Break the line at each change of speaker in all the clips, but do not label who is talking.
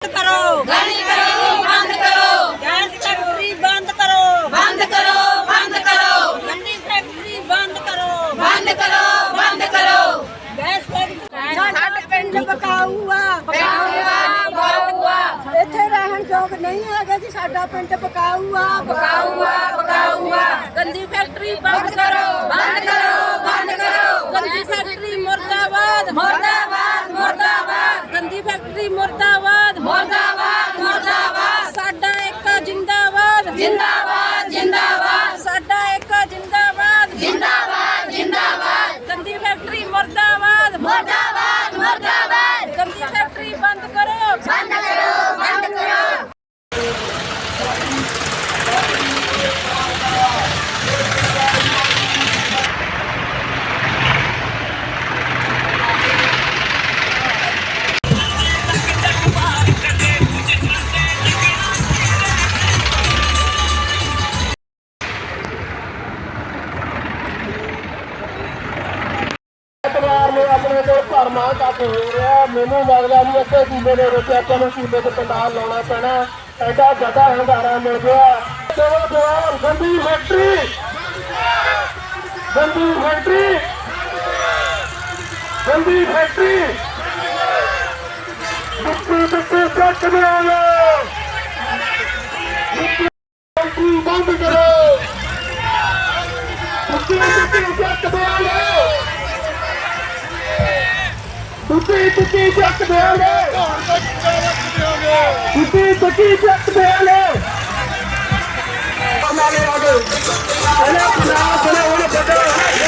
करो,
गली करो, बंद करो,
गैस फैक्ट्री बंद करो,
बंद करो, बंद करो,
गन्नी फैक्ट्री बंद करो,
बंद करो, बंद करो।
गैस फैक्ट्री साडा पिंड बकाऊ
बकाऊआ
ਇੱਥੇ ਰਹਿਣ ਯੋਗ ਨਹੀਂ ਹੈਗਾ ਜੀ। ਸਾਡਾ ਪਿੰਡ ਬਕਾਊ ਆ।
बकाऊआ
ਗੰਦੀ ਫੈਕਟਰੀ ਬੰਦ ਕਰੋ,
बंद करो, बंद करो।
ਗੰਦੀ ਫੈਕਟਰੀ ਮੁਰਦਾਬਾਦ,
मुर्दाबाद, मुर्दाबाद,
ਗੰਦੀ ਫੈਕਟਰੀ ਮੁਰਦਾਬਾਦ,
मुर्दाबाद, मुर्दाबाद।
ਸਾਡਾ ਇੱਕ ਜਿੰਦਾਬਾਦ,
जिंदाबाद, जिंदाबाद,
ਸਾਡਾ ਇੱਕ ਜਿੰਦਾਬਾਦ,
जिंदाबाद, जिंदाबाद,
ਗੰਦੀ ਫੈਕਟਰੀ ਮੁਰਦਾਬਾਦ,
मुर्दाबाद, मुर्दाबाद।
ਗੰਦੀ ਫੈਕਟਰੀ ਬੰਦ ਕਰੋ।
बंद करो, बंद करो।
ਪਰਿਵਾਰ ਨੇ ਆਪਣੇ ਕੋਲ ਭਰਮਾਂ ਤੱਕ ਹੋ ਰਿਹਾ। ਮੈਨੂੰ ਲੱਗਦਾ ਨਹੀਂ ਅੱਧੇ ਸੂਬੇ ਦੇ ਵਿੱਚ ਆਪਾਂ ਨੂੰ ਸੂਬੇ 'ਚ ਪੰਡਾਲ ਲਾਉਣਾ ਪੈਣਾ। ਐਡਾ ਜ਼ਿਆਦਾ ਹੰਗਾਰਾ ਮਿਲ ਗਿਆ। ਚਲੋ ਜਵਾਨ, ਗੰਦੀ ਫੈਕਟਰੀ, ਗੰਦੀ ਫੈਕਟਰੀ, ਗੰਦੀ ਫੈਕਟਰੀ, ਮਿੱਟੀ ਕੱਟ ਦਿਆਂਗੇ। ਫੈਕਟਰੀ ਬੰਦ ਕਰੋ, ਮਿੱਟੀ ਕੱਟ ਦਿਆਂਗੇ। ਤੁਸੀਂ ਚੱਕ ਦੇਓਗੇ, ਤੁਸੀਂ ਚੱਕ ਦੇਓਗੇ। ਨਾਲੇ ਆ ਗਏ ਇਹਨੇ ਪੰਜਾਬ ਦੇ ਉਹਨੇ ਬੱਚੇ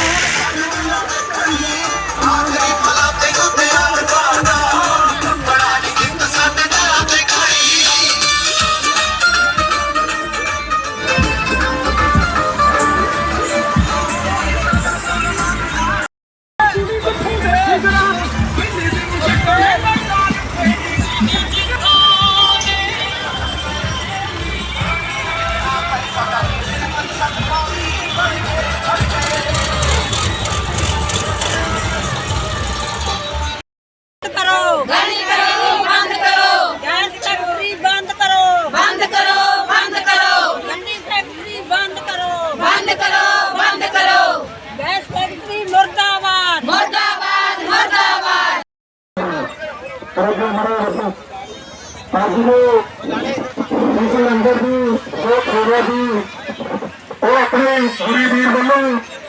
करो,
गली करो, बंद करो,
गैस फैक्ट्री बंद करो,
बंद करो, बंद करो,
गन्नी फैक्ट्री बंद करो,
बंद करो, बंद करो।
गैस फैक्ट्री मुर्दाबाद,
मुर्दाबाद, मुर्दाबाद।
अंदर भी जो खोरे भी वो अपने पूरी वीर बनो।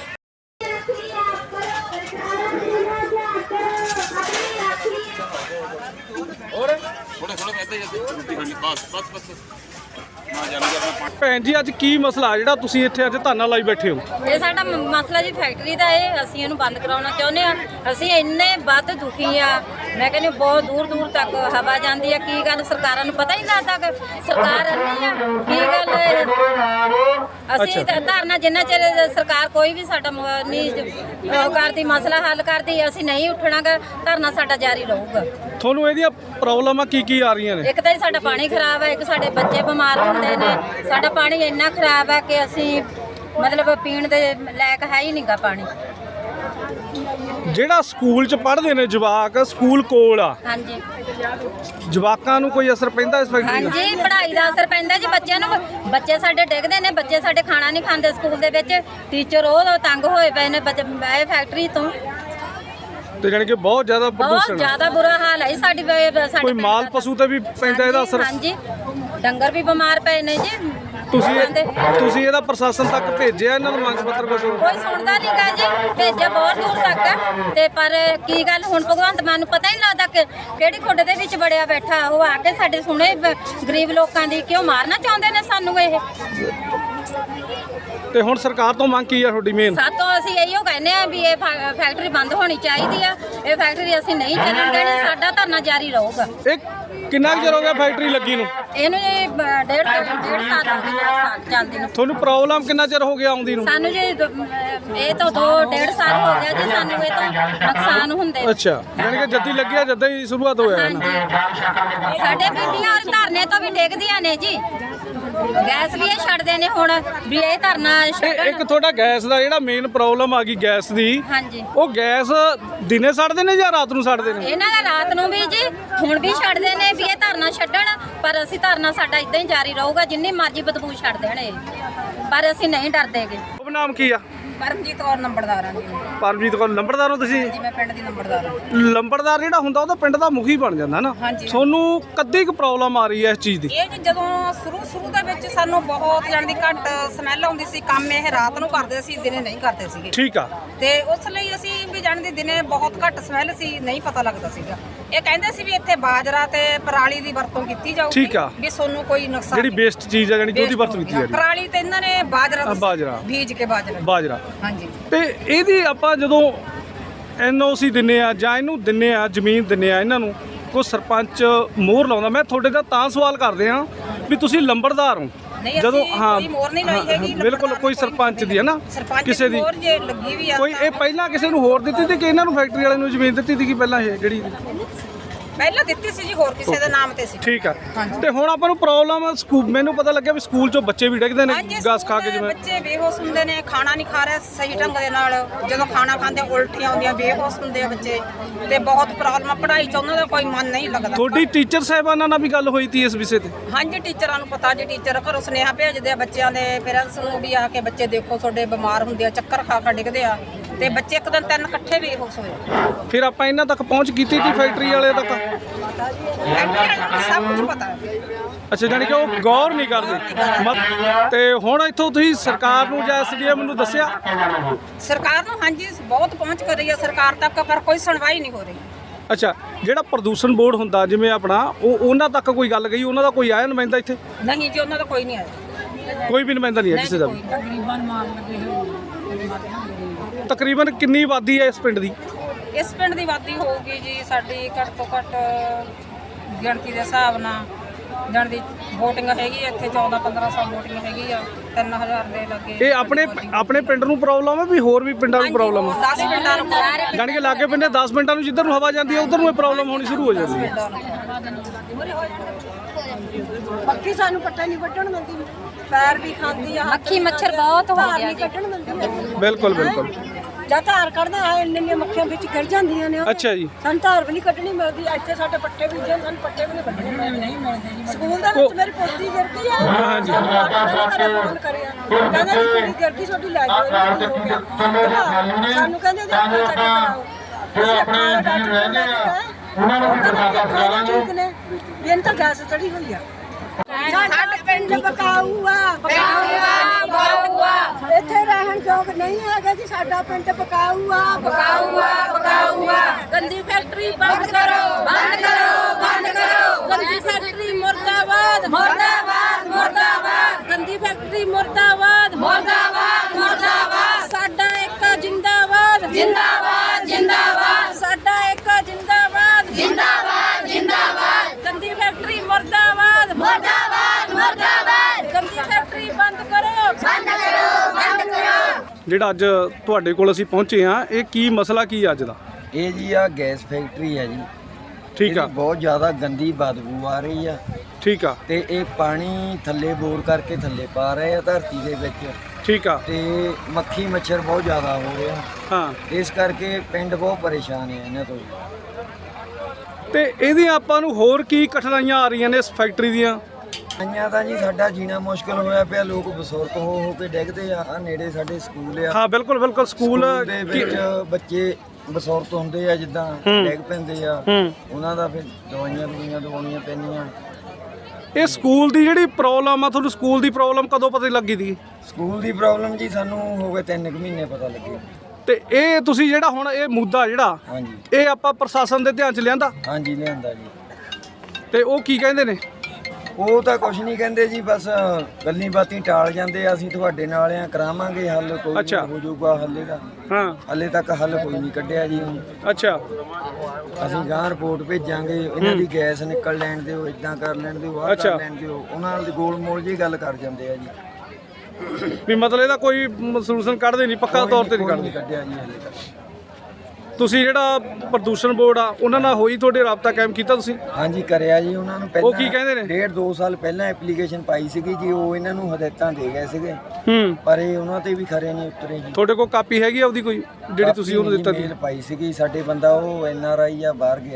ਭੈਣ ਜੀ ਅੱਜ ਕੀ ਮਸਲਾ ਜਿਹੜਾ ਤੁਸੀਂ ਇੱਥੇ ਅੱਜ ਧਰਨਾ ਲਾਈ ਬੈਠੇ ਹੋ?
ਇਹ ਸਾਡਾ ਮਸਲਾ ਜੀ ਫੈਕਟਰੀ ਦਾ ਹੈ। ਅਸੀਂ ਇਹਨੂੰ ਬੰਦ ਕਰਾਉਣਾ ਚਾਹੁੰਦੇ ਆ। ਅਸੀਂ ਇੰਨੇ ਵੱਧ ਦੁਖੀ ਆ। ਮੈਂ ਕਹਿੰਦੀ ਬਹੁਤ ਦੂਰ ਦੂਰ ਤੱਕ ਹਵਾ ਜਾਂਦੀ ਆ। ਕੀ ਗੱਲ ਸਰਕਾਰਾਂ ਨੂੰ ਪਤਾ ਹੀ ਨਹੀਂ ਲੱਗਦਾ ਕਿ ਸਰਕਾਰ ਅੰਨੀ ਆ ਕੀ ਗੱਲ ਹੈ। ਅਸੀਂ ਧਰਨਾ ਜਿੰਨਾ ਚਿਰ ਸਰਕਾਰ ਕੋਈ ਵੀ ਸਾਡਾ ਨਹੀਂ ਉਹ ਕਰਦੀ ਮਸਲਾ ਹੱਲ ਕਰਦੀ ਅਸੀਂ ਨਹੀਂ ਉੱਠਣਾਗਾ। ਧਰਨਾ ਸਾਡਾ ਜਾਰੀ ਰਹੂਗਾ।
ਤੁਹਾਨੂੰ ਇਹਦੀਆਂ ਪ੍ਰੋਬਲਮਾਂ ਕੀ ਆ ਰਹੀਆਂ ਨੇ?
ਇੱਕ ਤਾਂ ਸਾਡਾ ਪਾਣੀ ਖਰਾਬ ਹੈ, ਇੱਕ ਸਾਡੇ ਬੱਚੇ ਬਿਮਾਰ ਹੁੰਦੇ ਨੇ। ਸਾਡਾ ਪਾਣੀ ਇੰਨਾ ਖਰਾਬ ਹੈ ਕਿ ਅਸੀਂ ਮਤਲਬ ਪੀਣ ਦੇ ਲਾਇਕ ਹੈ ਹੀ ਨਹੀਂਗਾ ਪਾਣੀ।
ਜਿਹੜਾ ਸਕੂਲ 'ਚ ਪੜ੍ਹਦੇ ਨੇ ਜਵਾਕ, ਸਕੂਲ ਕੋਲ ਆ,
ਹਾਂਜੀ
ਜਵਾਕਾਂ ਨੂੰ ਕੋਈ ਅਸਰ ਪੈਂਦਾ ਇਸ ਫੈਕਟਰੀ ਦਾ?
ਹਾਂਜੀ ਪੜ੍ਹਾਈ ਦਾ ਅਸਰ ਪੈਂਦਾ ਜੀ ਬੱਚਿਆਂ ਨੂੰ। ਬੱਚੇ ਸਾਡੇ ਡਿੱਗਦੇ ਨੇ, ਬੱਚੇ ਸਾਡੇ ਖਾਣਾ ਨਹੀਂ ਖਾਂਦੇ ਸਕੂਲ ਦੇ ਵਿੱਚ। ਟੀਚਰ ਉਹ ਤੰਗ ਹੋਏ ਪਏ ਨੇ ਇਹ ਫੈਕਟਰੀ ਤੋਂ।
ਤੇ ਜਾਣੀ ਕਿ ਬਹੁਤ ਜ਼ਿਆਦਾ
ਬਹੁਤ
ਪ੍ਰਦੂਸ਼ਣ,
ਜ਼ਿਆਦਾ ਬੁਰਾ ਹਾਲ ਹੈ ਸਾਡੇ
ਕੋਈ
ਪਿੰਡ
ਮਾਲ
ਦਾ।
ਪਸ਼ੂ ਤੇ ਵੀ ਪੈਂਦਾ ਇਹਦਾ ਅਸਰ?
ਹਾਂਜੀ ਡੰਗਰ ਵੀ ਬਿਮਾਰ ਪਏ ਨੇ ਜੀ।
ਤੁਸੀਂ ਇਹਦਾ ਪ੍ਰਸ਼ਾਸਨ ਤੱਕ ਭੇਜਿਆ ਇਹਨਾਂ ਨੂੰ ਮੰਗ ਪੱਤਰ ਕੁਛ?
ਕੋਈ ਸੁਣਦਾ ਨਹੀਂ ਗਾ ਜੀ। ਭੇਜਿਆ ਬਹੁਤ ਦੂਰ ਤੱਕ ਤੇ ਪਰ ਕੀ ਗੱਲ ਹੁਣ ਭਗਵੰਤ ਮਾਨ ਨੂੰ ਪਤਾ ਹੀ ਨਹੀਂ ਲੱਗਦਾ ਕਿ ਕਿਹੜੀ ਖੁੱਡ ਦੇ ਵਿੱਚ ਵੜਿਆ ਬੈਠਾ। ਉਹ ਆ ਕੇ ਸਾਡੇ ਸੁਣੇ ਗਰੀਬ ਲੋਕਾਂ ਦੀ ਕਿਉਂ ਮਾਰਨਾ ਚਾਹੁੰਦੇ ਨੇ ਸਾਨੂੰ ਇਹ।
ਤੇ ਹੁਣ ਸਰਕਾਰ ਤੋਂ ਮੰਗ ਕੀ ਆ ਤੁਹਾਡੀ ਮੇਨ?
ਸਾਤੋਂ ਅਸੀਂ ਇਹੀਓ ਕਹਿੰਦੇ ਆ ਵੀ ਇਹ ਫੈਕਟਰੀ ਬੰਦ ਹੋਣੀ ਚਾਹੀਦੀ ਆ। ਇਹ ਫੈਕਟਰੀ ਅਸੀਂ ਨਹੀਂ ਚੱਲਣ ਦੇਣੀ। ਸਾਡਾ ਧਰਨਾ ਜਾਰੀ ਰਹੂਗਾ।
ਇਹ ਕਿੰਨਾ ਕੁ ਚਿਰ ਹੋ ਗਿਆ ਫੈਕਟਰੀ ਲੱਗੀ ਨੂੰ?
ਇਹਨੂੰ ਜੀ ਡੇਢ ਸਾਲ ਹੋ ਗਏ ਚੱਲਦੀ ਨੂੰ।
ਤੁਹਾਨੂੰ ਪ੍ਰੋਬਲਮ ਕਿੰਨਾ ਚਿਰ ਹੋ ਗਿਆ ਆਉਂਦੀ ਨੂੰ?
ਸਾਨੂੰ ਜੀ ਇਹ ਤਾਂ 2.5 ਸਾਲ ਹੋ ਗਿਆ ਜੀ। ਸਾਨੂੰ ਇਹ ਤੋਂ ਨੁਕਸਾਨ ਹੁੰਦੇ।
ਅੱਛਾ ਯਾਨੀ ਕਿ ਜੱਦੀ ਲੱਗਿਆ ਜਦਾਂ ਹੀ ਸ਼ੁਰੂਆਤ ਹੋਇਆ ਹੈ ਨਾ?
ਹਾਂਜੀ ਸਾਡੇ ਬੀਬੀਆਂ ਧਰਨੇ ਤੋਂ ਵੀ ਡਿੱਗਦੀਆਂ ਨੇ ਜੀ। ਗੈਸ ਵੀ ਇਹ ਛੱਡਦੇ ਨੇ ਹੁਣ ਵੀ ਇਹ ਧਰਨਾ
ਇੱਕ ਤੁਹਾਡਾ ਗੈਸ ਦਾ ਜਿਹੜਾ ਮੇਨ ਪ੍ਰੋਬਲਮ ਆ ਗਈ ਗੈਸ ਦੀ,
ਹਾਂਜੀ
ਉਹ ਗੈਸ ਦਿਨੇ ਛੱਡਦੇ ਨੇ ਜਾਂ ਰਾਤ ਨੂੰ ਛੱਡਦੇ ਨੇ?
ਇਹਨਾਂ ਦਾ ਰਾਤ ਨੂੰ ਵੀ ਜੀ ਹੁਣ ਵੀ ਛੱਡਦੇ ਨੇ ਵੀ ਇਹ ਧਰਨਾ ਛੱਡਣ ਅਸੀਂ ਧਰਨਾ ਸਾਡਾ ਇਦਾਂ ਹੀ ਜਾਰੀ ਰਹੂਗਾ ਜਿੰਨੀ ਮਰਜ਼ੀ ਬਦਬੂ ਛੱਡ ਦੇਣ ਇਹ, ਪਰ ਅਸੀਂ ਨਹੀਂ ਡਰਦੇਗੇ।
ਉਹ ਨਾਮ ਕੀ ਆ?
ਪਰਮਜੀਤ ਕੌਰ ਨੰਬਰਦਾਰ ਹਾਂ ਜੀ।
ਪਰਮਜੀਤ ਕੌਰ ਲੰਬੜਦਾਰ ਹੋ ਤੁਸੀਂ?
ਜੀ ਮੈਂ ਪਿੰਡ ਦੀ ਨੰਬਰਦਾਰ ਹਾਂ।
ਲੰਬੜਦਾਰ ਜਿਹੜਾ ਹੁੰਦਾ ਉਹ ਤਾਂ ਪਿੰਡ ਦਾ ਮੁਖੀ ਬਣ ਜਾਂਦਾ ਨਾ। ਤੁਹਾਨੂੰ ਕਦੀ ਕੁ ਪ੍ਰੋਬਲਮ ਆ ਰਹੀ ਹੈ ਇਸ ਚੀਜ਼ ਦੀ?
ਇਹ ਜੀ ਜਦੋਂ ਸ਼ੁਰੂ ਦੇ ਵਿੱਚ ਸਾਨੂੰ ਬਹੁਤ ਜਾਣ ਦੀ ਘੱਟ ਸਮੈਲ ਆਉਂਦੀ ਸੀ। ਕੰਮ ਇਹ ਰਾਤ ਨੂੰ ਕਰਦੇ ਸੀ, ਦਿਨੇ ਨਹੀਂ ਕਰਦੇ ਸੀਗੇ।
ਠੀਕ ਆ।
ਤੇ ਉਸ ਲਈ ਅਸੀਂ ਵੀ ਜਾਣ ਦੀ ਦਿਨੇ ਬਹੁਤ ਘੱਟ ਸਮੈਲ ਸੀ, ਨਹੀਂ ਪਤਾ ਲੱਗਦਾ ਸੀਗਾ। ਇਹ ਕਹਿੰਦੇ ਸੀ ਵੀ ਇੱਥੇ ਬਾਜਰਾ ਤੇ ਪਰਾਲੀ ਦੀ ਵਰਤੋਂ ਕੀਤੀ ਜਾਊਗੀ।
ਠੀਕ ਆ।
ਵੀ ਤੁਹਾਨੂੰ ਕੋਈ ਨੁਕਸਾਨ
ਜਿਹੜੀ ਵੇਸਟ ਚੀਜ਼ ਆ ਜਾਨੀ ਕਿ ਉਹਦੀ ਵਰਤੋਂ ਕੀਤੀ ਜਾਂਦੀ।
ਪਰਾਲੀ ਤੇ ਇਹਨਾਂ ਨੇ ਬਾਜਰਾ ਬੀਜ ਕੇ
ਬਾਜਰਾ।
ਹਾਂਜੀ।
ਤੇ ਇਹਦੀ ਆਪਾਂ ਜਦੋਂ NOC ਦਿੰਨੇ ਆ ਜਾਂ ਇਹਨੂੰ ਦਿੰਨੇ ਆ, ਜ਼ਮੀਨ ਦਿੰਨੇ ਆ ਇਹਨਾਂ ਨੂੰ, ਕੋਈ ਸਰਪੰਚ ਮੋਹਰ ਲਾਉਂਦਾ? ਮੈਂ ਤੁਹਾਡੇ ਦਾ ਤਾਂ ਸਵਾਲ ਕਰਦੇ ਆ ਵੀ ਤੁਸੀਂ ਲੰਬੜਦਾਰ ਹੋ
ਜਦੋਂ ਕੋਈ ਮੋਹਰ ਨਹੀਂ ਲਾਈ ਹੈਗੀ।
ਬਿਲਕੁਲ ਕੋਈ ਸਰਪੰਚ ਦੀ ਹੈ ਨਾ, ਕਿਸੇ ਦੀ
ਮੋਹਰ ਜੇ ਲੱਗੀ ਵੀ ਆ
ਕੋਈ ਇਹ ਪਹਿਲਾਂ ਕਿਸੇ ਨੂੰ ਹੋਰ ਦਿੱਤੀ ਸੀ ਕਿ ਇਹਨਾਂ ਨੂੰ ਫੈਕਟਰੀ ਵਾਲੇ ਨੂੰ ਜ਼ਮੀਨ ਦਿੱਤੀ ਸੀ ਕਿ ਪਹਿਲਾਂ ਇਹ ਜਿਹੜੀ?
ਪਹਿਲਾਂ ਦਿੱਤੀ ਸੀ ਜੀ, ਹੋਰ ਕਿਸੇ ਦੇ ਨਾਮ ਤੇ ਸੀ।
ਠੀਕ ਆ। ਤੇ ਹੁਣ ਆਪਾਂ ਨੂੰ ਪ੍ਰੋਬਲਮ ਮੈਨੂੰ ਪਤਾ ਲੱਗਿਆ ਵੀ ਸਕੂਲ ਚੋਂ ਬੱਚੇ ਵੀ ਡਿੱਗਦੇ ਨੇ ਗੈਸ ਖਾ ਕੇ। ਜਿਵੇਂ
ਬੱਚੇ ਬੇਹੋਸ਼ ਹੁੰਦੇ ਨੇ, ਖਾਣਾ ਨਹੀਂ ਖਾ ਰਹੇ ਸਹੀ ਢੰਗ ਦੇ ਨਾਲ, ਜਦੋਂ ਖਾਣਾ ਖਾਂਦੇ ਉਲਟੀਆਂ ਆਉਂਦੀਆਂ, ਬੇਹੋਸ਼ ਹੁੰਦੇ ਆ ਬੱਚੇ, ਤੇ ਬਹੁਤ ਪ੍ਰੋਬਲਮ। ਪੜ੍ਹਾਈ 'ਚ ਉਹਨਾਂ ਦਾ ਕੋਈ ਮਨ ਨਹੀਂ ਲੱਗਦਾ।
ਤੁਹਾਡੀ ਟੀਚਰ ਸਾਹਿਬਾਨਾਂ ਨਾਲ ਵੀ ਗੱਲ ਹੋਈ ਤੀ ਇਸ ਵਿਸ਼ੇ ਤੇ?
ਹਾਂਜੀ, ਟੀਚਰਾਂ ਨੂੰ ਪਤਾ ਜੀ। ਟੀਚਰ ਘਰੋਂ ਸੁਨੇਹਾ ਭੇਜਦੇ ਆ ਬੱਚਿਆਂ ਦੇ ਪੇਰੈਂਟਸ ਨੂੰ ਵੀ ਆ ਕੇ ਬੱਚੇ ਦੇਖੋ ਤੁਹਾਡੇ ਬਿਮਾਰ ਹੁੰਦੇ ਆ, ਚੱਕਰ ਖਾ ਖਾ ਡਿੱਗਦੇ ਆ, ਤੇ ਬੱਚੇ ਇੱਕ ਦਿਨ 3 ਇਕੱਠੇ ਬੇਹੋਸ਼ ਹੋਏ।
ਫਿਰ ਆਪਾਂ ਇਹਨਾਂ ਤੱਕ ਪਹੁੰਚ ਕੀਤੀ ਸੀ ਫੈਕਟਰੀ ਵਾਲੇ ਤੱਕ?
ਸਭ ਕੁਝ ਪਤਾ ਹੈ।
ਅੱਛਾ, ਜਾਨੀ ਕਿ ਉਹ ਗੌਰ ਨਹੀਂ ਕਰਦੇ। ਤੇ ਹੁਣ ਇੱਥੋਂ ਤੁਸੀਂ ਸਰਕਾਰ ਨੂੰ ਜਾਂ SDM ਨੂੰ ਦੱਸਿਆ?
ਸਰਕਾਰ ਨੂੰ ਹਾਂਜੀ ਬਹੁਤ ਪਹੁੰਚ ਕਰ ਰਹੀ ਹੈ ਸਰਕਾਰ ਤੱਕ, ਪਰ ਕੋਈ ਸੁਣਵਾਈ ਨਹੀਂ ਹੋ ਰਹੀ।
ਅੱਛਾ, ਜਿਹੜਾ ਪ੍ਰਦੂਸ਼ਣ ਬੋਰਡ ਹੁੰਦਾ ਜਿਵੇਂ ਆਪਣਾ, ਉਹਨਾਂ ਤੱਕ ਕੋਈ ਗੱਲ ਗਈ? ਉਹਨਾਂ ਦਾ ਕੋਈ ਆਇਆ ਨੁਮਾਇੰਦਾ ਇੱਥੇ?
ਨਹੀਂ ਜੀ, ਉਹਨਾਂ ਦਾ ਕੋਈ ਨਹੀਂ ਆਇਆ।
ਕੋਈ ਵੀ ਨੁਮਾਇੰਦਾ ਨਹੀਂ ਹੈ ਕਿਸੇ ਦਾ ਵੀ? ਤਕਰੀਬਨ ਕਿੰਨੀ ਆਬਾਦੀ ਹੈ ਇਸ ਪਿੰਡ ਦੀ?
ਇਸ ਪਿੰਡ ਦੀ ਆਬਾਦੀ ਹੋਊਗੀ ਜੀ ਸਾਡੀ ਘੱਟ ਤੋਂ ਘੱਟ ਗਿਣਤੀ ਦੇ ਹਿਸਾਬ ਨਾਲ ਜਾਣ ਦੀ VOTING ਹੈਗੀ ਇੱਥੇ 14-1500 VOTING ਹੈਗੀ ਆ, 3000 ਦੇ ਲੱਗੇ।
ਇਹ ਆਪਣੇ ਪਿੰਡ ਨੂੰ ਪ੍ਰੋਬਲਮ ਹੈ ਵੀ ਹੋਰ ਵੀ ਪਿੰਡਾਂ ਨੂੰ ਪ੍ਰੋਬਲਮ ਹੈ?
10 ਪਿੰਡਾਂ ਨੂੰ
ਜਾਣੀ ਕਿ ਲਾਗੇ ਪਿੰਡੇ 10 ਮਿੰਟਾਂ ਨੂੰ ਜਿੱਧਰ ਨੂੰ ਹਵਾ ਜਾਂਦੀ ਹੈ ਉਧਰ ਨੂੰ ਇਹ ਪ੍ਰੋਬਲਮ ਹੋਣੀ ਸ਼ੁਰੂ ਹੋ ਜਾਂਦੀ ਹੈ।
ਮੱਖੀ ਸਾਨੂੰ ਪੱਟਾ ਨਹੀਂ ਵੱਢਣ ਦਿੰਦੀ, ਪੈਰ ਵੀ ਖਾਂਦੀ ਆ,
ਮੱਖੀ ਮੱਛਰ ਬਹੁਤ ਹੋ
ਧਾਰ
ਗਿਆ
ਨਹੀਂ
ਜੀ।
ਕੱਢਣ ਦਿੰਦੀ।
ਬਿਲਕੁਲ ਬਿਲਕੁਲ।
ਜਾਂ ਧਾਰ ਕੱਢਦੇ ਆ ਇੰਨੀਆਂ ਮੱਖੀਆਂ ਵਿੱਚ ਗਿਰ ਜਾਂਦੀਆਂ ਨੇ।
ਅੱਛਾ ਜੀ।
ਸਾਨੂੰ ਧਾਰ ਵੀ ਨਹੀਂ ਕੱਢਣੀ ਮਿਲਦੀ। ਇੱਥੇ ਸਾਡੇ ਪੱਟੇ ਵੀ ਜੇ ਸਾਨੂੰ ਪੱਟੇ ਵੀ ਨਹੀਂ ਵੱਢਣੇ ਨਹੀਂ ਮਿਲਦੇ। ਸਕੂਲ ਦੇ ਵਿੱਚ ਮੇਰੀ ਪੋਤੀ ਗਿਰਦੀ ਆ। ਹਾਂਜੀ। ਫੋਨ ਕਰਿਆ, ਕਹਿੰਦਾ ਜੀ ਕੁੜੀ ਗਿਰਦੀ, ਤੁਹਾਡੀ ਲੈ ਜਾਓ, ਇਹਨੂੰ ਹੋ ਗਿਆ। ਸਾਨੂੰ ਕਹਿੰਦੇ ਜੀ ਅੱਖਾਂ ਚੈੱਕ ਕਰਾਓ। ਅਸੀਂ ਅੱਖਾਂ ਵਾਲੇ ਡਾਕਟਰ ਕੋਲ ਲੈ ਕੇ ਗਏ, ਉਹ ਕਹਿੰਦਾ ਵੀ ਅੱਖਾਂ ਦਾ ਠੀਕ ਨੇ, ਵੀ ਇਹਨਾਂ ਤਾਂ ਗੈਸ ਚੜੀ ਹੋਈ ਆ। ਸਾਡਾ ਪਿੰਡ ਬਕਾਊ ਆ। ਇੱਥੇ ਰਹਿਣ ਯੋਗ ਨਹੀਂ ਹੈਗਾ ਜੀ, ਸਾਡਾ ਪਿੰਡ ਬਕਾਊ ਆ।
ਗੰਦੀ ਫੈਕਟਰੀ ਬੰਦ ਕਰੋ, ਬੰਦ ਕਰੋ, ਬੰਦ ਕਰੋ। ਗੰਦੀ ਫੈਕਟਰੀ ਮੁਰਦਾਬਾਦ, ਮੁਰਦਾਬਾਦ, ਮੁਰਦਾਬਾਦ। ਗੰਦੀ ਫੈਕਟਰੀ ਮੁਰਦਾਬਾਦ, ਮੁਰਦਾਬਾਦ, ਮੁਰਦਾਬਾਦ। ਸਾਡਾ ਏਕਾ ਜਿੰਦਾਬਾਦ, ਜਿੰਦਾਬਾਦ, ਜਿੰਦਾਬਾਦ। ਸਾਡਾ ਏਕਾ ਜਿੰਦਾਬਾਦ, ਜਿੰਦਾਬਾਦ, ਜਿੰਦਾਬਾਦ। ਗੰਦੀ ਫੈਕਟਰੀ ਮੁਰਦਾਬਾਦ, ਮੁਰਦਾਬਾਦ, ਮੁਰਦਾਬਾਦ। ਗੰਦੀ ਫੈਕਟਰੀ ਬੰਦ ਕਰੋ, ਬੰਦ ਕਰੋ, ਬੰਦ ਕਰੋ।
ਜਿਹੜਾ ਅੱਜ ਤੁਹਾਡੇ ਕੋਲ ਅਸੀਂ ਪਹੁੰਚੇ ਆ, ਇਹ ਕੀ ਮਸਲਾ ਕੀ ਅੱਜ ਦਾ?
ਇਹ ਜੀ ਆ ਗੈਸ ਫੈਕਟਰੀ ਹੈ ਜੀ।
ਠੀਕ ਆ।
ਇਹਦੀ ਬਹੁਤ ਜ਼ਿਆਦਾ ਗੰਦੀ ਬਦਬੂ ਆ ਰਹੀ ਆ।
ਠੀਕ ਆ।
ਤੇ ਇਹ ਪਾਣੀ ਥੱਲੇ ਬੋਰ ਕਰਕੇ ਥੱਲੇ ਪਾ ਰਹੇ ਆ ਧਰਤੀ ਦੇ ਵਿੱਚ।
ਠੀਕ ਆ।
ਤੇ ਮੱਖੀ ਮੱਛਰ ਬਹੁਤ ਜ਼ਿਆਦਾ ਹੋ ਰਿਹਾ।
ਹਾਂ।
ਇਸ ਕਰਕੇ ਪਿੰਡ ਬਹੁਤ ਪਰੇਸ਼ਾਨ ਹੈ ਇਹਨਾਂ ਤੋਂ।
ਤੇ ਇਹਦੀਆਂ ਆਪਾਂ ਨੂੰ ਹੋਰ ਕੀ ਕਠਿਨਾਈਆਂ ਆ ਰਹੀਆਂ ਨੇ ਇਸ ਫੈਕਟਰੀ ਦੀਆਂ?
ਆਈਆਂ ਤਾਂ ਜੀ ਸਾਡਾ ਜੀਣਾ ਮੁਸ਼ਕਲ ਹੋਇਆ ਪਿਆ। ਲੋਕ ਬਸੁਰਤ ਹੋ ਕੇ ਡਿੱਗਦੇ ਆ। ਆ ਨੇੜੇ ਸਾਡੇ ਸਕੂਲ ਆ।
ਹਾਂ ਬਿਲਕੁਲ ਬਿਲਕੁਲ। ਸਕੂਲ
ਦੇ ਵਿੱਚ ਬੱਚੇ ਬਸੁਰਤ ਹੁੰਦੇ ਆ, ਜਿੱਦਾਂ ਡਿੱਗ ਪੈਂਦੇ ਆ, ਉਹਨਾਂ ਦਾ ਫਿਰ ਦਵਾਈਆਂ ਦਵਾਉਣੀਆਂ ਪੈਂਦੀਆਂ।
ਇਹ ਸਕੂਲ ਦੀ ਜਿਹੜੀ ਪ੍ਰੋਬਲਮ ਆ, ਤੁਹਾਨੂੰ ਸਕੂਲ ਦੀ ਪ੍ਰੋਬਲਮ ਕਦੋਂ ਪਤਾ ਲੱਗੀ ਦੀ?
ਸਕੂਲ ਦੀ ਪ੍ਰੋਬਲਮ ਜੀ ਸਾਨੂੰ ਹੋ ਗਏ 3 ਮਹੀਨੇ ਪਤਾ ਲੱਗੇ।
ਤੇ ਇਹ ਤੁਸੀਂ ਜਿਹੜਾ ਹੁਣ ਇਹ ਮੁੱਦਾ ਜਿਹੜਾ,
ਹਾਂਜੀ,
ਇਹ ਆਪਾਂ ਪ੍ਰਸ਼ਾਸਨ ਦੇ ਧਿਆਨ 'ਚ ਲਿਆਂਦਾ?
ਹਾਂਜੀ ਲਿਆਂਦਾ ਜੀ।
ਤੇ ਉਹ ਕੀ ਕਹਿੰਦੇ ਨੇ?
ਉਹ ਤਾਂ ਕੁਝ ਨਹੀਂ ਕਹਿੰਦੇ ਜੀ, ਬਸ ਗੱਲਾਂ ਬਾਤਾਂ ਟਾਲ ਜਾਂਦੇ ਆ। ਅਸੀਂ ਤੁਹਾਡੇ ਨਾਲ ਆ, ਕਰਾਵਾਂਗੇ ਹੱਲ, ਕੋਈ ਹੋ ਜਾਊਗਾ ਹੱਲੇ ਦਾ।
ਹਾਂ।
ਹੱਲੇ ਤੱਕ ਹੱਲ ਕੋਈ ਨਹੀਂ ਕੱਢਿਆ ਜੀ।
ਅੱਛਾ।
ਅਸੀਂ ਗਾਂ ਰਿਪੋਰਟ ਭੇਜਾਂਗੇ, ਇਹਨਾਂ ਦੀ ਗੈਸ ਨਿਕਲ ਲੈਣ ਦਿਓ, ਇਦਾਂ ਕਰ ਲੈਣ ਦਿਓ, ਆਹ ਕਰ ਲੈਣ ਦਿਓ। ਉਹਨਾਂ ਨਾਲ ਗੋਲ ਮੋਲ ਜੀ ਗੱਲ ਕਰ ਜਾਂਦੇ ਆ ਜੀ।
ਵੀ ਮਤਲਬ ਇਹਦਾ ਕੋਈ ਸੋਲੂਸ਼ਨ ਕੱਢਦੇ ਨਹੀਂ, ਪੱਕਾ ਤੌਰ ਤੇ ਨਹੀਂ ਕੱਢਦੇ?
ਕੱਢਿਆ ਜੀ ਹੱਲੇ ਤੱਕ।
ਤੁਸੀਂ ਜਿਹੜਾ ਪ੍ਰਦੂਸ਼ਣ ਬੋਰਡ ਆ ਉਹਨਾਂ ਨਾਲ ਹੋਈ ਤੁਹਾਡੇ ਰਾਬਤਾ ਕਾਇਮ ਕੀਤਾ ਤੁਸੀਂ?
ਹਾਂਜੀ ਕਰਿਆ ਜੀ ਉਹਨਾਂ ਨੂੰ। ਪਹਿਲਾਂ
ਉਹ ਕੀ ਕਹਿੰਦੇ ਨੇ?
1.5-2 ਸਾਲ ਪਹਿਲਾਂ ਐਪਲੀਕੇਸ਼ਨ ਪਾਈ ਸੀਗੀ ਜੀ। ਉਹ ਇਹਨਾਂ ਨੂੰ ਹਦਾਇਤਾਂ ਦੇ ਗਏ ਸੀਗੇ, ਪਰ ਇਹ ਉਹਨਾਂ ਤੇ ਵੀ ਖਰੇ ਨਹੀਂ ਉਤਰੇ ਜੀ।
ਤੁਹਾਡੇ ਕੋਲ ਕਾਪੀ ਹੈਗੀ ਆਪਦੀ ਕੋਈ ਜਿਹੜੀ ਤੁਸੀਂ ਉਹਨੂੰ ਦਿੱਤਾ?
ਮੇਲ ਪਾਈ ਸੀਗੀ। ਸਾਡੇ ਬੰਦਾ ਉਹ NRI ਆ, ਬਾਹਰ ਗਿਆ।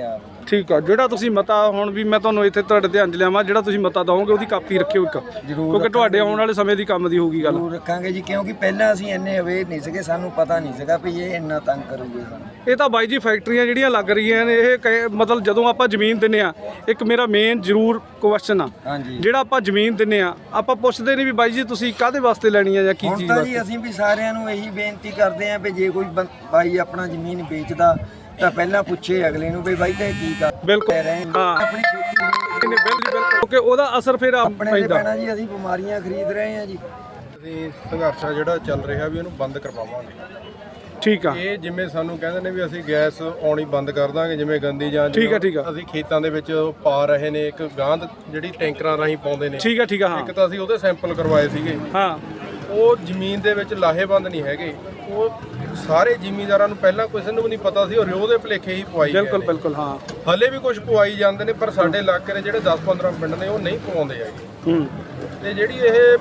ਠੀਕ ਆ, ਜਿਹੜਾ ਤੁਸੀਂ ਮਤਾ ਹੁਣ ਵੀ ਮੈਂ ਤੁਹਾਨੂੰ ਇੱਥੇ ਤੁਹਾਡੇ ਧਿਆਨ 'ਚ ਲਿਆਵਾਂ, ਜਿਹੜਾ ਤੁਸੀਂ ਮਤਾ ਦਓਗੇ ਉਹਦੀ ਕਾਪੀ ਰੱਖਿਓ ਇੱਕ, ਕਿਉਂਕਿ ਤੁਹਾਡੇ ਆਉਣ ਵਾਲੇ ਸਮੇਂ ਦੀ ਕੰਮ ਦੀ ਹੋਊਗੀ ਗੱਲ।
ਜ਼ਰੂਰ ਰੱਖਾਂਗੇ ਜੀ, ਕਿਉਂਕਿ ਪਹਿਲਾਂ ਅਸੀਂ ਇੰਨੇ ਅਵੇਅਰ ਨਹੀਂ ਸੀਗੇ, ਸਾਨੂੰ ਪਤਾ ਨਹੀਂ ਸੀਗਾ ਵੀ ਇਹ ਇੰਨਾ ਤੰਗ ਕਰੂਗੇ ਸਾਨੂੰ।
ਇਹ ਤਾਂ ਬਾਈ ਜੀ ਫੈਕਟਰੀਆਂ ਜਿਹੜੀਆਂ ਲੱਗ ਰਹੀਆਂ ਨੇ ਇਹ ਮਤਲਬ ਜਦੋਂ ਆਪਾਂ ਜ਼ਮੀਨ ਦਿੰਨੇ ਆ, ਇੱਕ ਮੇਰਾ ਮੇਨ ਜ਼ਰੂਰ ਕੁਐਸਚਨ ਆ,
ਹਾਂਜੀ
ਜਿਹੜਾ ਆਪਾਂ ਜ਼ਮੀਨ ਦਿੰਨੇ ਆ ਆਪਾਂ ਪੁੱਛਦੇ ਨਹੀਂ ਵੀ ਬਾਈ ਜੀ ਤੁਸੀਂ ਕਾਹਦੇ ਵਾਸਤੇ ਲੈਣੀ ਆ ਜਾਂ ਕੀ
ਹੁਣ
ਚੀਜ਼
ਤਾਂ
ਵਾਸਤੇ।
ਜੀ ਅਸੀਂ ਵੀ ਸਾਰਿਆਂ ਨੂੰ ਇਹੀ ਬੇਨਤੀ ਕਰਦੇ ਆਂ ਵੀ ਜੇ ਕੋਈ ਬਾਈ ਆਪਣਾ ਜ਼ਮੀਨ ਵੇਚਦਾ ਤਾਂ ਪਹਿਲਾਂ ਪੁੱਛੇ ਅਗਲੇ ਨੂੰ ਵੀ ਬਾਈ ਤੇ ਕੀ ਕਰ
ਬਿਲਕੁਲ
ਰਹੇ
ਹਾਂ
ਆਪਣੀ ਖੇਤੀ ਨੂੰ
ਬਿਲਕੁਲ ਕਿਉਂਕਿ ਉਹਦਾ ਅਸਰ ਫਿਰ
ਆਪਣੇ ਤੇ
ਪੈਂਦਾ।
ਪੈਣਾ ਜੀ, ਅਸੀਂ ਬਿਮਾਰੀਆਂ ਖਰੀਦ ਰਹੇ ਆਂ ਜੀ।
ਅਸੀਂ ਸੰਘਰਸ਼ ਆ ਜਿਹੜਾ ਚੱਲ ਰਿਹਾ ਵੀ ਇਹਨੂੰ ਬੰਦ ਕਰਵਾਵਾਂਗੇ।
ਠੀਕ ਆ,
ਇਹ ਜਿਵੇਂ ਸਾਨੂੰ ਕਹਿੰਦੇ ਨੇ ਵੀ ਅਸੀਂ ਗੈਸ ਆਉਣੀ ਬੰਦ ਕਰ ਦਾਂਗੇ, ਜਿਵੇਂ ਗੰਦੀ ਜਾਂ
ਠੀਕ ਆ।
ਅਸੀਂ ਖੇਤਾਂ ਦੇ ਵਿੱਚ ਪਾ ਰਹੇ ਨੇ ਇੱਕ ਗਾਂਧ ਜਿਹੜੀ ਟੈਂਕਰਾਂ ਰਾਹੀਂ ਪਾਉਂਦੇ ਨੇ।
ਠੀਕ ਆ ਹਾਂ
ਇੱਕ ਤਾਂ ਅਸੀਂ ਉਹਦੇ ਸੈਂਪਲ ਕਰਵਾਏ ਸੀਗੇ,
ਹਾਂ
ਉਹ ਜ਼ਮੀਨ ਦੇ ਵਿੱਚ ਲਾਹੇਬੰਦ ਨਹੀਂ ਹੈਗੇ। ਉਹ ਸਾਰੇ ਜ਼ਿਮੀਂਦਾਰਾਂ ਨੂੰ ਪਹਿਲਾਂ ਕਿਸੇ ਨੂੰ ਵੀ ਨਹੀਂ ਪਤਾ ਸੀ, ਉਹ ਰਿਓ ਦੇ ਭੁਲੇਖੇ ਹੀ ਪਵਾਈ
ਬਿਲਕੁਲ
ਗਏ ਨੇ।
ਬਿਲਕੁਲ ਹਾਂ
ਹਲੇ ਵੀ ਕੁਝ ਪਵਾਈ ਜਾਂਦੇ ਨੇ, ਪਰ ਸਾਡੇ ਇਲਾਕੇ ਦੇ ਜਿਹੜੇ 10-15 ਪਿੰਡ ਨੇ ਉਹ ਨਹੀਂ ਪਵਾਉਂਦੇ ਹੈਗੇ। ਤੇ ਜਿਹੜੀ ਇਹ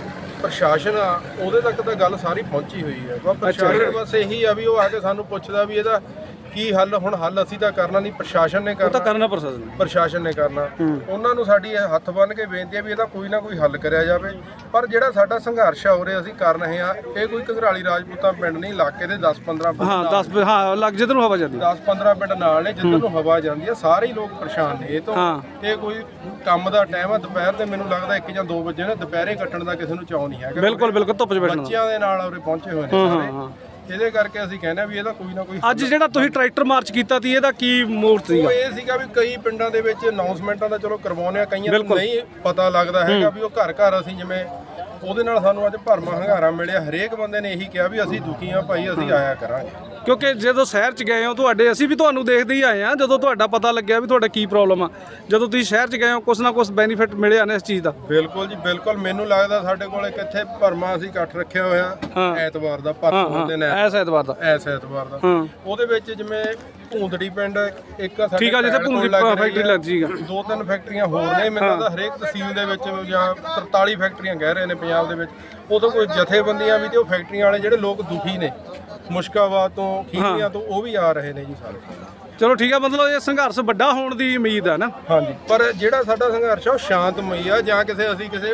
ਪ੍ਰਸ਼ਾਸਨ ਆ ਉਹਦੇ ਤੱਕ ਤਾਂ ਗੱਲ ਸਾਰੀ ਪਹੁੰਚੀ ਹੋਈ ਹੈ। ਬਸ ਪ੍ਰਸ਼ਾਸਨ ਬਸ ਇਹੀ ਆ ਵੀ ਉਹ ਆ ਕੇ ਸਾਨੂੰ ਪੁੱਛਦਾ ਵੀ ਇਹਦਾ ਕੀ ਹੱਲ। ਹੁਣ ਹੱਲ ਅਸੀਂ ਤਾਂ ਕਰਨਾ ਨਹੀਂ, ਪ੍ਰਸ਼ਾਸਨ ਨੇ
ਉਹ ਤਾਂ
ਕਰਨਾ,
ਕਰਨਾ
ਪ੍ਰਸ਼ਾਸਨ ਨੇ ਕਰਨਾ। ਉਹਨਾਂ ਨੂੰ ਸਾਡੀ ਇਹ ਹੱਥ ਬੰਨ੍ਹ ਕੇ ਬੇਨਤੀ ਹੈ ਵੀ ਇਹਦਾ ਕੋਈ ਨਾ ਕੋਈ ਹੱਲ ਕਰਿਆ ਜਾਵੇ। ਪਰ ਜਿਹੜਾ ਸਾਡਾ ਸੰਘਰਸ਼ ਆ ਉਰੇ ਅਸੀਂ ਕਰ ਰਹੇ ਆ, ਇਹ ਕੋਈ ਘਗਰਾਲੀ ਰਾਜਪੂਤਾਂ ਪਿੰਡ ਨਹੀਂ, ਇਲਾਕੇ ਦੇ 10-15 ਪਿੰਡ
ਹਾਂ 10 ਹਾਂ ਲੱਗ ਜਿੱਧਰ ਨੂੰ ਹਵਾ ਜਾਂਦੀ
10-15 ਪਿੰਡ ਨਾਲ ਨੇ, ਜਿੱਧਰ ਨੂੰ ਹਵਾ ਜਾਂਦੀ ਆ ਸਾਰੇ ਹੀ ਲੋਕ ਪਰੇਸ਼ਾਨ ਨੇ ਇਹ ਤੋਂ। ਇਹ ਕੋਈ ਕੰਮ ਦਾ ਟਾਈਮ ਆ ਦੁਪਹਿਰ ਦੇ, ਮੈਨੂੰ ਲੱਗਦਾ 1 ਜਾਂ 2 ਵਜੇ ਨੇ, ਦੁਪਹਿਰੇ ਕੱਟਣ ਦਾ ਕਿਸੇ ਨੂੰ ਚਾਅ ਨਹੀਂ ਹੈਗਾ।
ਬਿਲਕੁਲ ਧੁੱਪ 'ਚ ਬੈਠਣਾ
ਬੱਚਿਆਂ ਦੇ ਨਾਲ ਉਰੇ ਪਹੁੰਚੇ ਹੋਏ ਨੇ ਸਾਰੇ। ਇਹਦੇ ਕਰਕੇ ਅਸੀਂ ਕਹਿੰਦੇ ਆ ਵੀ ਇਹਦਾ ਕੋਈ ਨਾ ਕੋਈ
ਅੱਜ ਜਿਹੜਾ ਤੁਸੀਂ ਟਰੈਕਟਰ ਮਾਰਚ ਕੀਤਾ ਸੀ ਇਹਦਾ ਕੀ ਮੋੜ ਸੀਗਾ?
ਉਹ ਇਹ ਸੀਗਾ ਵੀ ਕਈ ਪਿੰਡਾਂ ਦੇ ਵਿੱਚ ਅਨਾਉਂਸਮੈਂਟਾਂ ਦਾ ਚਲੋ ਕਰਵਾਉਂਦੇ ਆ, ਕਈਆਂ ਨੂੰ ਨਹੀਂ ਪਤਾ ਲੱਗਦਾ ਹੈਗਾ ਵੀ ਉਹ ਘਰ ਘਰ ਅਸੀਂ ਜਿਵੇਂ ਉਹਦੇ ਨਾਲ ਸਾਨੂੰ ਅੱਜ ਭਰਮਾ ਹੰਗਾਰਾ ਮਿਲਿਆ। ਹਰੇਕ ਬੰਦੇ ਨੇ ਇਹੀ ਕਿਹਾ ਵੀ ਅਸੀਂ ਦੁਖੀ ਆ ਭਾਈ, ਅਸੀਂ ਆਇਆ ਕਰਾਂਗੇ।
ਕਿਉਂਕਿ ਜਦੋਂ ਸ਼ਹਿਰ 'ਚ ਗਏ ਹੋ ਤੁਹਾਡੇ, ਅਸੀਂ ਵੀ ਤੁਹਾਨੂੰ ਦੇਖਦੇ ਹੀ ਆਏ ਆ, ਜਦੋਂ ਤੁਹਾਡਾ ਪਤਾ ਲੱਗਿਆ ਵੀ ਤੁਹਾਡਾ ਕੀ ਪ੍ਰੋਬਲਮ ਆ, ਜਦੋਂ ਤੁਸੀਂ ਸ਼ਹਿਰ 'ਚ ਗਏ ਹੋ ਕੁਛ ਨਾ ਕੁਛ ਬੈਨੀਫਿਟ ਮਿਲਿਆ ਨੇ ਇਸ ਚੀਜ਼ ਦਾ।
ਬਿਲਕੁਲ ਜੀ ਬਿਲਕੁਲ। ਮੈਨੂੰ ਲੱਗਦਾ ਸਾਡੇ ਕੋਲ ਕਿੱਥੇ ਭਰਮਾ ਅਸੀਂ ਇਕੱਠ ਰੱਖਿਆ ਹੋਇਆ ਐਤਵਾਰ ਦਾ, ਪਰਸੋਂ ਦੇ ਨੇ
ਐਸ ਐਤਵਾਰ ਦਾ
ਉਹਦੇ ਵਿੱਚ ਜਿਵੇਂ ਭੂੰਦੜੀ ਪਿੰਡ ਇੱਕ ਸਾਡੇ
ਠੀਕ ਆ, ਜਿੱਥੇ ਭੂੰਦੜੀ ਫੈਕਟਰੀ ਲੱਗਦੀ ਸੀਗਾ।
2-3 ਫੈਕਟਰੀਆਂ ਹੋਰ ਨੇ, ਮੈਨੂੰ ਲੱਗਦਾ ਹਰੇਕ ਤਹਿਸੀਲ ਦੇ ਵਿੱਚ ਜਾਂ 43 ਫੈਕਟਰੀਆਂ ਕਹਿ ਰਹੇ ਨੇ ਪੰਜਾਬ ਦੇ ਵਿੱਚ। ਉਦੋਂ ਕੋਈ ਜਥੇਬੰਦੀਆਂ ਵੀ ਤੇ ਉਹ ਫੈਕਟਰੀਆਂ ਵਾਲੇ ਜਿਹੜੇ ਲੋਕ ਦੁਖੀ ਨੇ ਮੁਸ਼ਕਾਬਾਦ ਤੋਂ, ਖੀਵੀਆਂ ਤੋਂ, ਉਹ ਵੀ ਆ ਰਹੇ ਨੇ ਜੀ ਸਾਰੇ।
ਚਲੋ ਠੀਕ ਆ, ਮਤਲਬ ਇਹ ਸੰਘਰਸ਼ ਵੱਡਾ ਹੋਣ ਦੀ ਉਮੀਦ ਹੈ ਨਾ।
ਹਾਂਜੀ, ਪਰ ਜਿਹੜਾ ਸਾਡਾ ਸੰਘਰਸ਼ ਆ ਉਹ ਸ਼ਾਂਤਮਈ ਆ, ਜਾਂ ਅਸੀਂ ਕਿਸੇ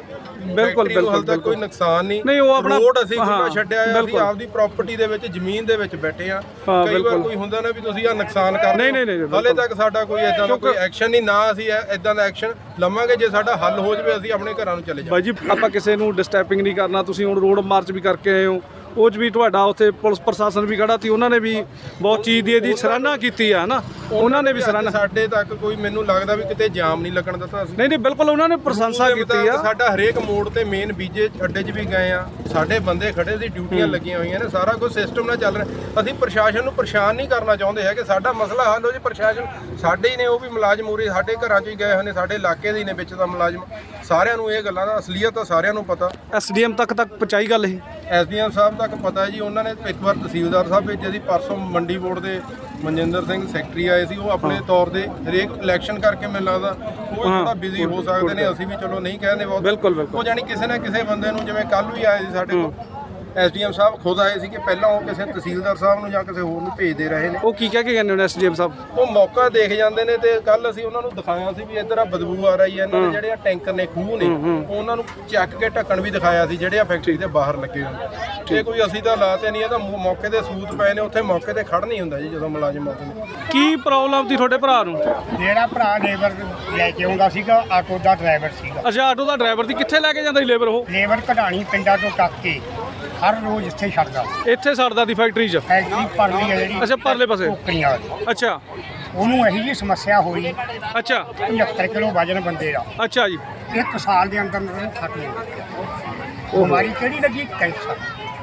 ਬਿਲਕੁਲ ਕੋਈ ਨੁਕਸਾਨ ਨਹੀਂ।
ਉਹ ਆਪਣਾ
ਰੋਡ ਅਸੀਂ ਖੁੱਲ੍ਹਾ ਛੱਡਿਆ ਆ, ਅਸੀਂ ਆਪਦੀ ਪ੍ਰਾਪਰਟੀ ਦੇ ਵਿੱਚ ਜ਼ਮੀਨ ਦੇ ਵਿੱਚ ਬੈਠੇ ਆ। ਕਈ ਵਾਰ ਕੋਈ ਹੁੰਦਾ ਨਾ ਵੀ ਤੁਸੀਂ ਆ ਨੁਕਸਾਨ ਕਰ ਰਹੇ ਹੋ, ਹਾਲੇ ਤੱਕ ਸਾਡਾ ਕੋਈ ਇਦਾਂ ਦਾ ਕੋਈ ਐਕਸ਼ਨ ਨਹੀਂ, ਨਾ ਅਸੀਂ ਇਦਾਂ ਦਾ ਐਕਸ਼ਨ ਲਵਾਂਗੇ। ਜੇ ਸਾਡਾ ਹੱਲ ਹੋ ਜਾਵੇ ਅਸੀਂ ਆਪਣੇ ਘਰਾਂ ਨੂੰ ਚਲੇ ਜਾਵਾਂਗੇ।
ਬਾਈ ਜੀ ਆਪਾਂ ਕਿਸੇ ਨੂੰ ਡਿਸਟਰਬਿੰਗ ਨਹੀਂ ਕਰਨਾ। ਤੁਸੀਂ ਹੁਣ ਰੋਡ ਮਾਰਚ ਵੀ ਕਰਕੇ ਆਏ ਹੋ, ਉਹ 'ਚ ਵੀ ਤੁਹਾਡਾ ਉੱਥੇ ਪੁਲਿਸ ਪ੍ਰਸ਼ਾਸਨ ਵੀ ਖੜਾ ਸੀ, ਉਹਨਾਂ ਨੇ ਵੀ ਬਹੁਤ ਚੀਜ਼ ਦੀ ਇਹਦੀ ਸਰਾਹਨਾ ਕੀਤੀ ਆ ਨਾ, ਉਹਨਾਂ ਨੇ ਵੀ ਸਰਾਹਨਾ।
ਸਾਡੇ ਤੱਕ ਕੋਈ ਮੈਨੂੰ ਲੱਗਦਾ ਵੀ ਕਿਤੇ ਜਾਮ ਨਹੀਂ ਲੱਗਣ ਦਿੱਤਾ ਅਸੀਂ।
ਨਹੀਂ ਬਿਲਕੁਲ ਉਹਨਾਂ ਨੇ ਪ੍ਰਸ਼ੰਸਾ ਕੀਤੀ ਆ।
ਸਾਡਾ ਹਰੇਕ ਮੋੜ ਤੇ ਮੇਨ ਬੀਜੇ ਅੱਡੇ 'ਚ ਵੀ ਗਏ ਆ, ਸਾਡੇ ਬੰਦੇ ਖੜੇ ਸੀ, ਡਿਊਟੀਆਂ ਲੱਗੀਆਂ ਹੋਈਆਂ ਨੇ, ਸਾਰਾ ਕੁਝ ਸਿਸਟਮ ਨਾਲ ਚੱਲ ਰਿਹਾ। ਅਸੀਂ ਪ੍ਰਸ਼ਾਸਨ ਨੂੰ ਪਰੇਸ਼ਾਨ ਨਹੀਂ ਕਰਨਾ ਚਾਹੁੰਦੇ ਹੈਗੇ, ਸਾਡਾ ਮਸਲਾ ਹੱਲ ਹੋ ਜੇ। ਪ੍ਰਸ਼ਾਸਨ ਸਾਡੇ ਹੀ ਨੇ, ਉਹ ਵੀ ਮੁਲਾਜ਼ਮ ਉਰੇ ਸਾਡੇ ਘਰਾਂ 'ਚ ਹੀ ਗਏ ਹੋਏ ਨੇ, ਸਾਡੇ ਇਲਾਕੇ ਦੇ ਹੀ ਨੇ ਵਿੱਚ ਦਾ ਮੁਲਾਜ਼ਮ। ਸਾਰਿਆਂ ਨੂੰ ਇਹ ਗੱਲਾਂ ਦਾ ਅਸਲੀਅਤ ਤਾਂ ਸਾਰਿਆਂ ਨੂੰ ਪਤਾ।
ਐਸਡੀਐਮ ਤੱਕ ਪਹੁੰਚਾਈ ਗੱਲ ਇਹ?
ਐਸਡੀਐਮ ਸਾਹਿਬ ਤੱਕ ਪਤਾ ਜੀ, ਉਹਨਾਂ ਨੇ ਇੱਕ ਵਾਰ ਤਹਿਸੀਲਦਾਰ ਸਾਹਿਬ ਭੇਜੇ ਸੀ। ਪਰਸੋਂ ਮੰਡੀ ਬੋਰਡ ਦੇ ਮਨਜਿੰਦਰ ਸਿੰਘ ਸੈਕਟਰੀ ਆਏ ਸੀ, ਉਹ ਆਪਣੇ ਤੌਰ ਤੇ ਹਰੇਕ ਇਲੈਕਸ਼ਨ ਕਰਕੇ ਮੈਨੂੰ ਲੱਗਦਾ ਉਹ ਥੋੜਾ ਬਿਜ਼ੀ ਹੋ ਸਕਦੇ ਨੇ, ਅਸੀਂ ਵੀ ਚਲੋ ਨਹੀਂ ਕਹਿੰਦੇ ਬਹੁਤ।
ਬਿਲਕੁਲ
ਉਹ ਜਾਨੀ ਕਿਸੇ ਨਾ ਕਿਸੇ ਬੰਦੇ ਨੂੰ, ਜਿਵੇਂ ਕੱਲ ਵੀ ਆਏ ਸੀ ਸਾਡੇ ਕੋਲ ਐਸਡੀਐਮ ਸਾਹਿਬ ਖੁਦ ਆਏ ਸੀ, ਕਿ ਪਹਿਲਾਂ ਉਹ ਕਿਸੇ ਤਹਿਸੀਲਦਾਰ ਸਾਹਿਬ ਨੂੰ ਜਾਂ ਕਿਸੇ ਹੋਰ ਨੂੰ ਭੇਜਦੇ ਰਹੇ ਨੇ।
ਉਹ ਕੀ ਕਹਿ ਕੇ ਕਹਿੰਦੇ ਨੇ ਐਸਡੀਐਮ ਸਾਹਿਬ?
ਉਹ ਮੌਕਾ ਦੇਖ ਜਾਂਦੇ ਨੇ। ਤੇ ਕੱਲ ਅਸੀਂ ਉਹਨਾਂ ਨੂੰ ਦਿਖਾਇਆ ਸੀ ਵੀ ਇੱਧਰ ਆ ਬਦਬੂ ਆ ਰਹੀ ਹੈ, ਇਹਨਾਂ ਦੇ ਜਿਹੜੇ ਆ ਟੈਂਕਰ ਨੇ, ਖੂਹ ਨੇ, ਉਹਨਾਂ ਨੂੰ ਚੱਕ ਕੇ ਢੱਕਣ ਵੀ ਦਿਖਾਇਆ ਸੀ ਜਿਹੜੇ ਆ ਫੈਕਟਰੀ ਦੇ ਬਾਹਰ ਲੱਗੇ ਹੋਏ। ਇਹ ਕੋਈ ਅਸੀਂ ਤਾਂ ਲਾਤੇ ਨਹੀਂ, ਇਹ ਤਾਂ ਮੌਕੇ ਦੇ ਸੂਤ ਪਏ ਨੇ, ਉੱਥੇ ਮੌਕੇ ਤੇ ਖੜ ਨਹੀਂ ਹੁੰਦਾ ਜੀ ਜਦੋਂ ਮੁਲਾਜ਼ਮ ਆਉਂਦੇ ਨੇ।
ਕੀ ਪ੍ਰੋਬਲਮ ਸੀ ਤੁਹਾਡੇ ਭਰਾ ਨੂੰ?
ਮੇਰਾ ਭਰਾ ਲੇਬਰ ਲੈ ਕੇ ਆਉਂਦਾ ਸੀਗਾ, ਆਟੋ ਦਾ ਡਰਾਈਵਰ ਸੀਗਾ।
ਅੱਛਾ, ਆਟੋ ਦਾ ਡਰਾਈਵਰ ਸੀ। ਕਿੱਥੇ ਲੈ ਕੇ ਜਾਂਦਾ ਸੀ ਲੇਬਰ? ਉਹ
ਲੇਬਰ ਕਢਾਣੀ ਪਿੰਡਾਂ ਤੋਂ ਟੱਕ ਕੇ ਹਰ ਰੋਜ਼ ਇੱਥੇ ਛੱਡਦਾ।
ਇੱਥੇ ਛੱਡਦਾ ਸੀ ਫੈਕਟਰੀ 'ਚ?
ਫੈਕਟਰੀ ਭਰਲੀ ਹੈ ਜਿਹੜੀ।
ਅੱਛਾ, ਪਰਲੇ ਪਾਸੇ।
ਟੋਕਰੀਆਂ ਵਾਲੀ।
ਅੱਛਾ,
ਉਹਨੂੰ ਇਹੀ ਜਿਹੀ ਸਮੱਸਿਆ ਹੋਈ।
ਅੱਛਾ
75 ਕਿਲੋ ਵਜਨ ਬੰਦੇ ਦਾ।
ਅੱਛਾ ਜੀ।
1 ਸਾਲ ਦੇ ਅੰਦਰ ਉਹਨੂੰ ਖਤਮ ਹੋ ਗਿਆ। ਬਿਮਾਰੀ ਕਿਹੜੀ ਲੱਗੀ? ਕੈਂਸਰ।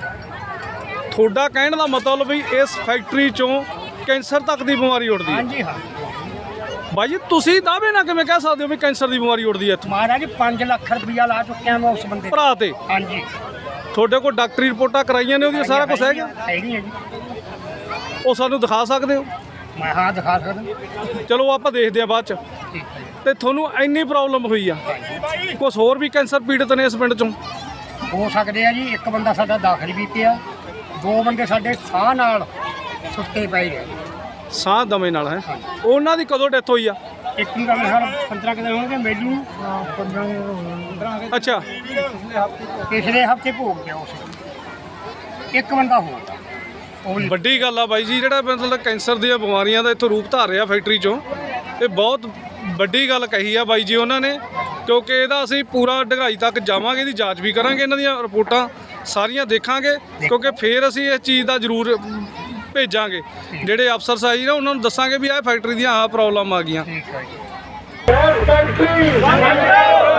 ਤੁਹਾਡਾ ਕਹਿਣ ਦਾ ਮਤਲਬ ਵੀ ਇਸ ਫੈਕਟਰੀ 'ਚੋਂ ਕੈਂਸਰ ਤੱਕ ਦੀ ਬਿਮਾਰੀ ਉੱਠਦੀ ਹੈ?
ਹਾਂਜੀ ਹਾਂ
ਬਾਈ ਜੀ, ਤੁਸੀਂ ਦਾਅਵੇ ਨਾਲ ਕਿਵੇਂ ਕਹਿ ਸਕਦੇ ਹੋ ਵੀ ਕੈਂਸਰ ਦੀ ਬਿਮਾਰੀ ਉੱਠਦੀ ਹੈ ਇੱਥੋਂ?
ਮਹਾਰਾਜ 5 ਲੱਖ ਰੁਪਇਆ ਲਾ ਚੁੱਕਿਆ ਮੈਂ ਉਸ ਬੰਦੇ
ਭਰਾ ਤੇ।
ਹਾਂਜੀ,
ਤੁਹਾਡੇ ਕੋਲ ਡਾਕਟਰੀ ਰਿਪੋਰਟਾਂ ਕਰਾਈਆਂ ਨੇ ਉਹਦੀਆਂ, ਸਾਰਾ ਕੁਝ ਹੈਗਾ?
ਹੈਗੀ ਹੈ ਜੀ।
ਉਹ ਸਾਨੂੰ ਦਿਖਾ ਸਕਦੇ ਹੋ?
ਮੈਂ ਹਾਂ ਦਿਖਾ ਸਕਦਾ।
ਚਲੋ ਆਪਾਂ ਦੇਖਦੇ ਆ ਬਾਅਦ 'ਚ।
ਠੀਕ ਹੈ।
ਤੇ ਤੁਹਾਨੂੰ ਇੰਨੀ ਪ੍ਰੋਬਲਮ ਹੋਈ ਆ, ਕੁਛ ਹੋਰ ਵੀ ਕੈਂਸਰ ਪੀੜਤ ਨੇ ਇਸ ਪਿੰਡ 'ਚੋਂ?
ਹੋ ਸਕਦੇ ਆ ਜੀ। ਇੱਕ ਬੰਦਾ ਸਾਡਾ ਦਾਖਲ ਵੀ ਪਿਆ, 2 ਬੰਦੇ ਸਾਡੇ ਸਾਹ ਨਾਲ ਸੁੱਤੇ ਪਏ ਨੇ।
ਸਾਹ ਦਮੇ ਨਾਲ ਹੈ। ਉਹਨਾਂ ਦੀ ਕਦੋਂ ਡੈਥ ਹੋਈ ਆ?
ਇੱਕ ਨੂੰ ਤਾਂ ਮੇਰੇ ਖਿਆਲ 15 ਕੁ ਦਿਨ ਹੋਣਗੇ, ਮੈਨੂੰ 15
ਅੱਛਾ,
ਪਿਛਲੇ ਹਫਤੇ ਭੋਗ ਪਿਆ ਉਸ ਇੱਕ ਬੰਦਾ ਹੋਰ ਉਹ ਵੀ
ਵੱਡੀ ਗੱਲ ਆ ਬਾਈ ਜੀ, ਜਿਹੜਾ ਮਤਲਬ ਕੈਂਸਰ ਦੀਆਂ ਬਿਮਾਰੀਆਂ ਦਾ ਇੱਥੋਂ ਰੂਪ ਧਾਰ ਰਿਹਾ ਫੈਕਟਰੀ 'ਚੋਂ, ਇਹ ਬਹੁਤ ਵੱਡੀ ਗੱਲ ਕਹੀ ਆ ਬਾਈ ਜੀ ਉਹਨਾਂ ਨੇ, ਕਿਉਂਕਿ ਇਹਦਾ ਅਸੀਂ ਪੂਰਾ ਡੂੰਘਾਈ ਤੱਕ ਜਾਵਾਂਗੇ, ਇਹਦੀ ਜਾਂਚ ਵੀ ਕਰਾਂਗੇ, ਇਹਨਾਂ ਦੀਆਂ ਰਿਪੋਰਟਾਂ ਸਾਰੀਆਂ ਦੇਖਾਂਗੇ, ਕਿਉਂਕਿ ਫਿਰ ਅਸੀਂ ਇਸ ਚੀਜ਼ ਦਾ ਜ਼ਰੂਰ ਭੇਜਾਂਗੇ ਜਿਹੜੇ ਅਫਸਰ ਸਾਹਿਬ ਨਾ, ਉਹਨਾਂ ਨੂੰ ਦੱਸਾਂਗੇ ਵੀ ਇਹ ਫੈਕਟਰੀ ਦੀਆਂ ਆਹ ਪ੍ਰੋਬਲਮ ਆ ਗਈਆਂ।
ਠੀਕ ਹੈ ਜੀ।
ਫੈਕਟਰੀ